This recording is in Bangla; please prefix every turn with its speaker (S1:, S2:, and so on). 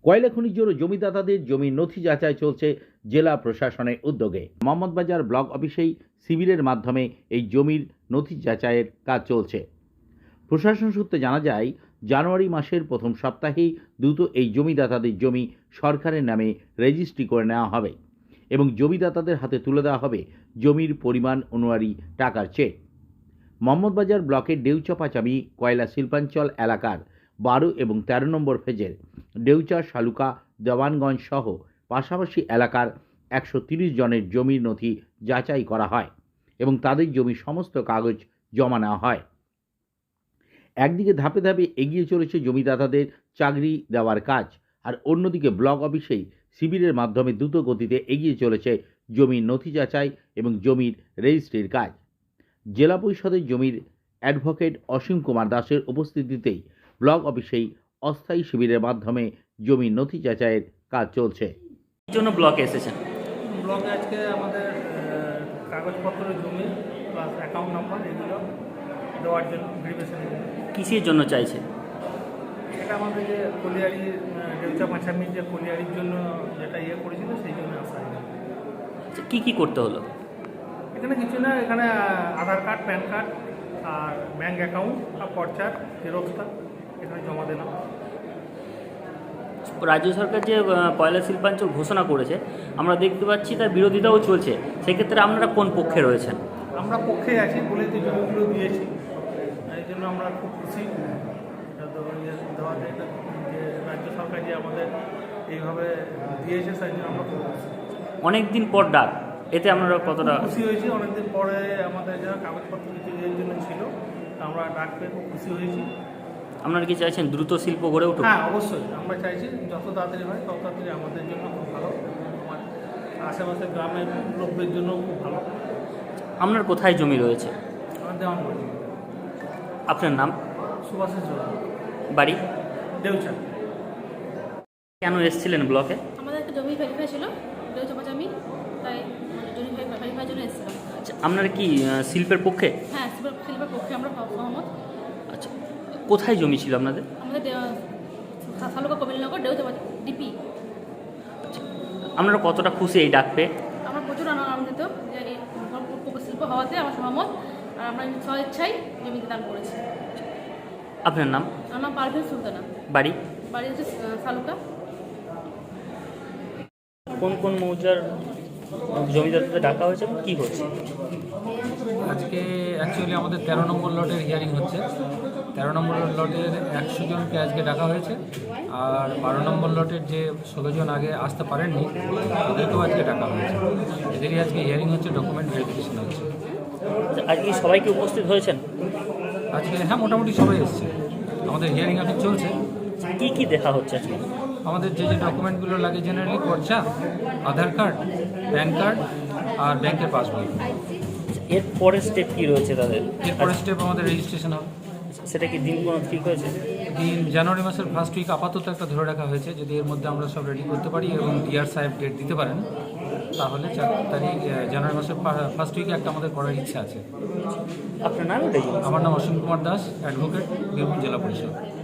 S1: কয়লা খনিজ ও জমিদাতাদের জমির নথি যাচাই চলছে জেলা প্রশাসনের উদ্যোগে। মোহাম্মদবাজার ব্লক অফিসেই শিবিরের মাধ্যমে এই জমির নথি যাচাইয়ের কাজ চলছে। প্রশাসন সূত্রে জানা যায়, জানুয়ারি মাসের প্রথম সপ্তাহেই দ্রুত এই জমিদাতাদের জমি সরকারের নামে রেজিস্ট্রি করে নেওয়া হবে এবং জমিদাতাদের হাতে তুলে দেওয়া হবে জমির পরিমাণ অনুযায়ী টাকার চেক। মোহাম্মদবাজার ব্লকের ডেউচা-পাচামি কয়লা শিল্পাঞ্চল এলাকার 12 এবং 13 নম্বর ফেজের ডেউচা, শালুকা, দেওয়ানগঞ্জ সহ পাশাপাশি এলাকার 130 জনের জমির নথি যাচাই করা হয় এবং তাদের জমির সমস্ত কাগজ জমা নেওয়া হয়। একদিকে ধাপে ধাপে এগিয়ে চলেছে জমিদাতাদের চাকরি দেওয়ার কাজ, আর অন্যদিকে ব্লক অফিসেই শিবিরের মাধ্যমে দ্রুত গতিতে এগিয়ে চলেছে জমির নথি যাচাই এবং জমির রেজিস্ট্রির কাজ। জেলা পরিষদের জমির অ্যাডভোকেট অসীম কুমার দাসের উপস্থিতিতেই ব্লক অফিসেই অস্থায়ী শিবিরের মাধ্যমে জমির নথি যাচাইয়ের কাজ চলছে।
S2: কি জন্য ব্লকে এসেছেন?
S3: ব্লকে আজকে আমাদের কাগজপত্র, জমি প্লাস অ্যাকাউন্ট নাম্বার এগুলো দেওয়ার জন্য ভেরিফিকেশন।
S2: কিসের জন্য চাইছে?
S3: এটা আমাদের যে কলিয়ারি ডেউচা-পাচামি যে কলিয়ারির জন্য যেটা করেছিল সেই জন্য আসা।
S2: কি কি করতে হলো?
S3: এখানে কিছু না, এখানে আধার কার্ড, প্যান কার্ড আর ব্যাঙ্ক অ্যাকাউন্ট আর পর্চার জেরক্সটা এখানে জমা দিলাম।
S2: রাজ্য সরকার যে কয়লা শিল্পাঞ্চল ঘোষণা করেছে, আমরা দেখতে পাচ্ছি তার বিরোধিতাও চলছে। সেক্ষেত্রে আপনারা কোন পক্ষে রয়েছেন?
S3: আমরা পক্ষে আছি বলে তো জমিগুলো দিয়েছি, এই জন্য আমরা খুব খুশি দেওয়াতে, যে রাজ্য সরকার যে আমাদের এইভাবে দিয়েছে সেই জন্য আমরা খুব খুশি।
S2: অনেক দিন পর ডাক, এতে আপনারা কতটা
S3: খুশি হয়েছি? অনেকদিন পরে আমাদের যারা কাগজপত্র কিছু এর জন্য ছিল, আমরা ডাক পেয়ে খুব খুশি হয়েছি।
S2: আপনারা কি চাইছেন দ্রুত শিল্প গড়ে উঠুক?
S3: হ্যাঁ, অবশ্যই আমরা চাইছি যত তাড়াতাড়ি হয় তত তাড়াতাড়ি আমাদের জন্য খুব ভালো, আমার আশেপাশে গ্রামের লোকদের জন্য খুব ভালো।
S2: আপনার কোথায় জমি রয়েছে?
S3: আমার দেওয়ানগঞ্জ।
S2: আপনার নাম?
S3: সুভাষিস জোড়া,
S2: বাড়ি?
S3: ডেউচা।
S2: কেন এসেছিলেন ব্লকে?
S4: আমাদের একটা জমি ভেরিফাই ছিল ডেউচা-পাচামি, তাই জমি ভেরিফাইয়ের জন্য এসেছিলাম।
S2: আচ্ছা, আপনারা কি শিল্পের পক্ষে?
S4: হ্যাঁ, শিল্পের পক্ষে আমরা সহমত।
S2: আচ্ছা, কোথায় জমি ছিল আপনাদের?
S4: আমাদের শালুকা, কবিলনগর, ডেউচা ডিপি।
S2: আপনারা কতটা খুশি এই ডাক পেয়ে?
S4: আমরা প্রচুর আনন্দিত যে এই শিল্প হওয়াতে আমরা সহমত, আর আমরা স্বেচ্ছায় জমিতে দান করেছি।
S2: আপনার নাম?
S4: আমার নাম পারভীন সুলতানা।
S2: বাড়ি?
S4: বাড়ি হচ্ছে শালুকা।
S2: কোন কোন মৌজার জমিদারদের ডাকা হয়েছে, কি হচ্ছে?
S5: আজকে অ্যাকচুয়ালি আমাদের 13 নম্বর লটের হিয়ারিং হচ্ছে। 13 নম্বর লটের 100 জনকে আজকে ডাকা হয়েছে, আর 12 নম্বর লটের যে 16 জন আগে আসতে পারেননি তাদেরকেও আজকে ডাকা হয়েছে। এদেরই আজকে হিয়ারিং হচ্ছে, ডকুমেন্ট ভেরিফিকেশন হচ্ছে।
S2: আজকে সবাই কি উপস্থিত হয়েছেন?
S5: আজকে হ্যাঁ, মোটামুটি সবাই এসছে। আমাদের হিয়ারিং এখন চলছে।
S2: কি কি দেখা হচ্ছে আজকে?
S5: আমাদের যে যে ডকুমেন্টগুলো লাগে, জেনারেলি পর্চা, আধার কার্ড, প্যান কার্ড আর ব্যাংকের পাসবই।
S2: এর পরের স্টেপ কি রয়েছে তাদের?
S5: এরপরে স্টেপ আমাদের রেজিস্ট্রেশন হবে।
S2: সেটা কি দিন কোনো ঠিক হয়েছে?
S5: দিন জানুয়ারি মাসের ফার্স্ট উইক আপাতত একটা ধরে রাখা হয়েছে। যদি এর মধ্যে আমরা সব রেডি করতে পারি এবং ডিআর সাহেব ডেট দিতে পারেন, তাহলে 4 তারিখ জানুয়ারি মাসের ফার্স্ট উইকে একটা আমাদের করার ইচ্ছা আছে।
S2: আপনার নাম?
S5: আমার নাম অসীম কুমার দাস, অ্যাডভোকেট, বীরভূম জেলা পরিষদ।